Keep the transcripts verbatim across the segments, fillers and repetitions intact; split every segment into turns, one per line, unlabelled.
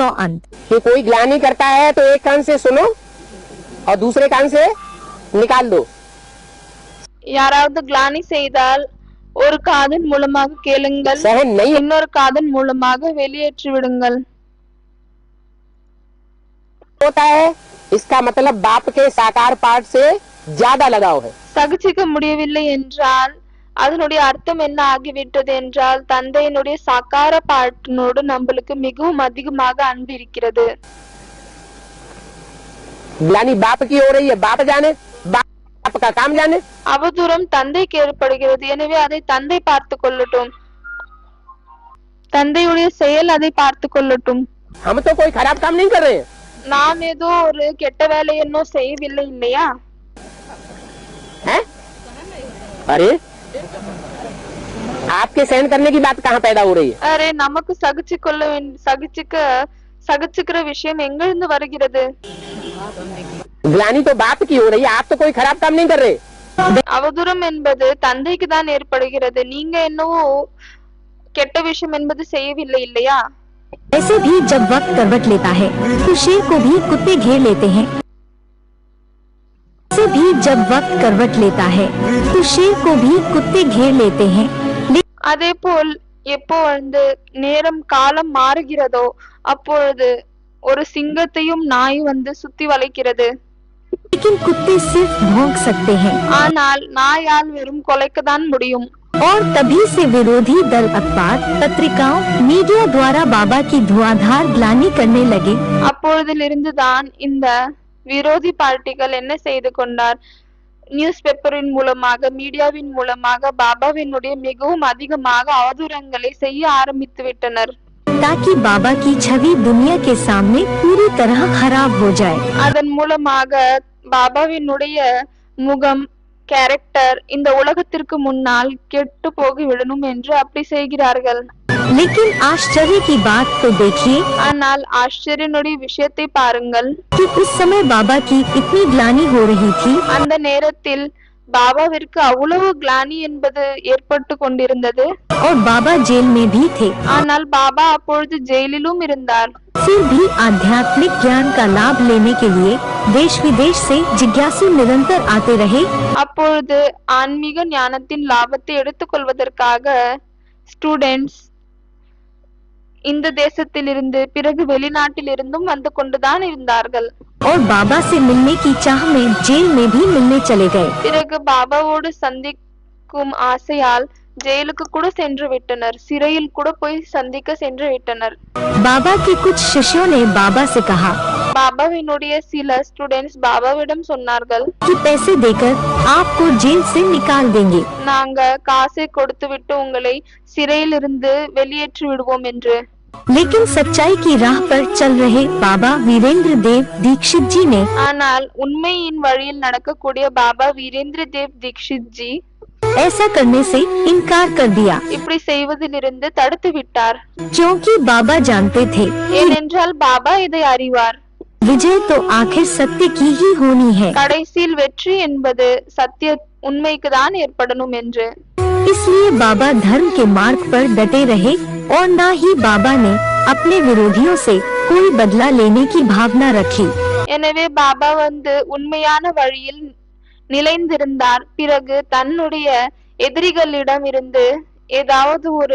सौ अंत।
कि कोई ग्लानि करता है तो एक कान से सुनो और दूसरे कान से निकाल दो।
யாராவது கிளானி செய்தால் ஒரு காதின் மூலமாக கேளுங்கள்,
सहन नहीं
இன்னொரு காதின் மூலமாக வெளியேற்றி விடுங்கள்.
होता है, इसका मतलब बाप के साकार पाठ से ज्यादा लगाव है।
சகிச்சிக்க முடியவில்லை என்றால் அதனுடைய அர்த்தம் என்ன ஆகிவிட்டது என்றால் தந்தையினுடைய சாக்கார பாட்டினோடு நம்மளுக்கு மிகவும் அதிகமாக அன்பு இருக்கிறது.
ग्लानि बाप की हो रही है, बाप जाने, बाप का काम जाने।
அவதூறம் தந்தைக்கு ஏற்படுகிறது, எனவே அதை தந்தை பார்த்து கொள்ளட்டும், தந்தையுடைய செயல் அதை பார்த்து கொள்ளட்டும்.
हम तो कोई खराब काम नहीं कर रहे हैं।
நாம் ஏதோ ஒரு கெட்ட வேலை இன்னும் செய்யவில்லை இல்லையா?
हैं? अरे आपके सहन करने की बात कहाँ पैदा हो रही है?
அரே நமக்கு சகிச்சு கொள்ள சகிச்சுக்க சகிச்சுக்கிற விஷயம் எங்கிருந்து வருகிறது?
ग्लानि तो बाप की हो रही है, आप तो कोई खराब काम नहीं कर रहे।
அவதூறம் என்பது தந்தைக்கு தான் ஏற்படுகிறது, நீங்க என்னவோ கெட்ட விஷயம் என்பது செய்யவில்லை இல்லையா?
ऐसे भी जब वक्त करवट लेता है तो शेर को भी कुत्ते घेर लेते हैं। ऐसे भी जब वक्त करवट लेता है तो शेर को भी कुत्ते घेर लेते हैं।
அதே போல் எப்போ வந்து நேரம் காலம் மாறுகிறதோ அப்பொழுது ஒரு சிங்கத்தையும் நாய் வந்து சுத்தி வளைக்கிறது.
लेकिन कुत्ते सिर्फ भौंक सकते हैं।
ஆனால் நாயால் வெறும் கொலைக்கத்தான் முடியும்.
और तभी से विरोधी दल अखबार, पत्रिकाओं, मीडिया द्वारा बाबा की धुआंधार ग्लानि करने लगे।
அப்பொழுதிலிருந்துதான் இந்த விரோதி பார்ட்டிகள் என்ன செய்து கொண்டார், நியூஸ் பேப்பரின் மூலமாக மீடியாவின் மூலமாக பாபாவினுடைய மிகவும் அதிகமாக அவதூறங்களை செய்ய ஆரம்பித்து விட்டனர்.
ताकि बाबा की छवि दुनिया के सामने पूरी तरह खराब हो जाए।
அதன் மூலமாக பாபாவினுடைய முகம், கேரக்டர் இந்த உலகத்திற்கு முன்னால் கெட்டு போகி விடணும் என்று அப்படி செய்கிறார்கள்.
लेकिन आश्चर्य की बात तो देखिए,
ஆனால் ஆச்சரியனுடைய விஷயத்தை பாருங்கள்,
कि उस समय बाबा की इतनी ग्लानि हो रही थी
அந்த நேரத்தில் பாபாவிற்கு அவ்வளவு கிளானி என்பது ஏற்பட்டு கொண்டிருந்தது.
और बाबा जेल में भी थे,
ஆனால் பாபா அப்பொழுது ஜெயிலிலும் இருந்தார்.
फिर भी आध्यात्मिक ज्ञान का लाभ लेने के लिए देश विदेश से जिज्ञासु निरंतर आते रहे।
அப்பொழுது ஆன்மீக ஞானத்தின் லாபத்தை எடுத்துக்கொள்வதற்காக ஸ்டூடெண்ட்ஸ் இந்த தேசத்திலிருந்து பிறகு வெளிநாட்டில் இருந்தும் வந்து கொண்டுதான் இருந்தார்கள்.
और बाबा से मिलने की चाह में जेल में भी मिलने चले गए।
பிறகு பாபாவோடு சந்திக்கும் ஆசையால் ஜெயிலுக்கு கூட சென்று விட்டனர், சிறையில் கூட போய் சந்திக்க சென்று விட்டனர்.
बाबा के कुछ शिष्यों ने बाबा से कहा
பாபாவினுடைய சில ஸ்டூடெண்ட்ஸ் பாபாவிடம் சொன்னார்கள்,
कि पैसे देकर आपको जेल से निकाल देंगे।
நாங்க காசை கொடுத்து விட்டு உங்களை சிறையில் இருந்து வெளியேற்றி விடுவோம் என்று.
लेकिन सच्चाई की राह पर चल रहे बाबा वीरेंद्र देव दीक्षित जी ने
ஆனால் உண்மையின் வழியில் நடக்கக்கூடிய பாபா வீரேந்திர தேவ் தீக்ஷித் ஜி
ऐसा करने से इनकार कर दिया,
இப்படி செய்வதிலிருந்து தடுத்து விட்டார்.
क्योंकि बाबा जानते थे
ஏனென்றால் பாபா இதை அறிவார்,
विजय तो आखिर सत्य की ही होनी है।
கடைசியில் வெற்றி என்பது சத்திய உண்மைக்கு தான் ஏற்படணும் என்று.
इसलिए बाबा धर्म के मार्ग पर डटे रहे और न ही बाबा ने अपने विरोधियों से कोई बदला लेने की भावना रखी।
எனவே பாபா வந்து உண்மையான வழியில் நிலைந்திருந்தார், பிறகு தன்னுடைய எதிரிகளிடம் இருந்து ஏதாவது ஒரு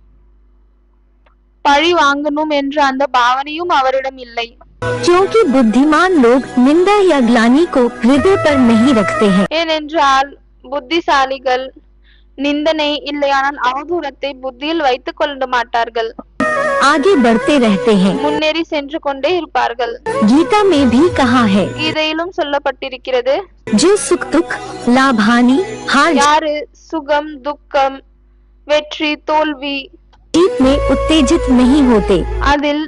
பழி வாங்கணும் என்ற அந்த பாவனையும் அவரிடம் இல்லை.
क्योंकि बुद्धिमान लोग निंदा या ग्लानि को हृदय पर नहीं रखते हैं।
ஏனென்றால் புத்திசாலிகள் நிந்தனை இல்லையானால் அவதூறத்தை புத்தியில் வைத்துக் கொள்ள மாட்டார்கள்,
आगे बढ़ते रहते हैं।
முன்னேறி சென்று கொண்டே இருப்பார்கள்.
गीता में भी कहा है,
கீதையிலும் சொல்லப்பட்டிருக்கிறது,
जो सुख दुख लाभ हानि हार
யாரு சுகம் துக்கம் வெற்றி தோல்வி
जीत में उत्तेजित नहीं होते,
அதில்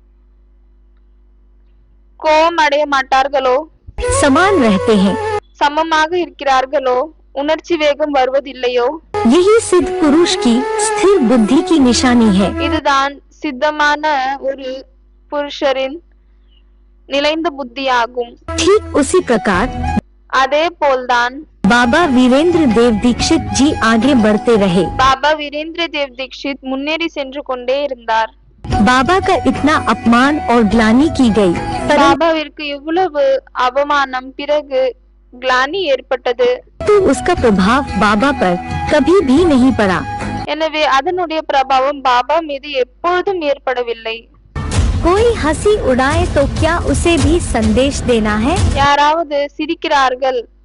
கோபம் அடைய மாட்டார்களோ,
समान रहते हैं,
சமமாக இருக்கிறார்களோ, உணர்ச்சி வேகம் வருவதில்லையோ,
यही सिद्ध पुरुष की स्थिर बुद्धि की निशानी है।
இதுதான் சித்தமான ஒரு புருஷரின் நிலைந்த புத்தியாகும்.
ठीक उसी प्रकार
அதே போல்தான்
बाबा वीरेंद्र देव दीक्षित जी आगे बढ़ते रहे।
பாபா வீரேந்திர தேவ் தீக்ஷித் முன்னேறி சென்று கொண்டே இருந்தார்.
बाबा का इतना अपमान और ग्लानि की गई, परंतु
பாபாவிற்கு இவ்வளவு அவமானம் பிறகு கிளானி ஏற்பட்டது.
उसका प्रभाव बाबा पर कभी भी नहीं पड़ा।
எனவே அதனுடைய பிரபாவம் பாபா மீது எப்பொழுதும் ஏற்படவில்லை.
कोई हंसी उड़ाए तो क्या उसे भी संदेश देना है?
யாராவது சிரிக்கிறார்கள்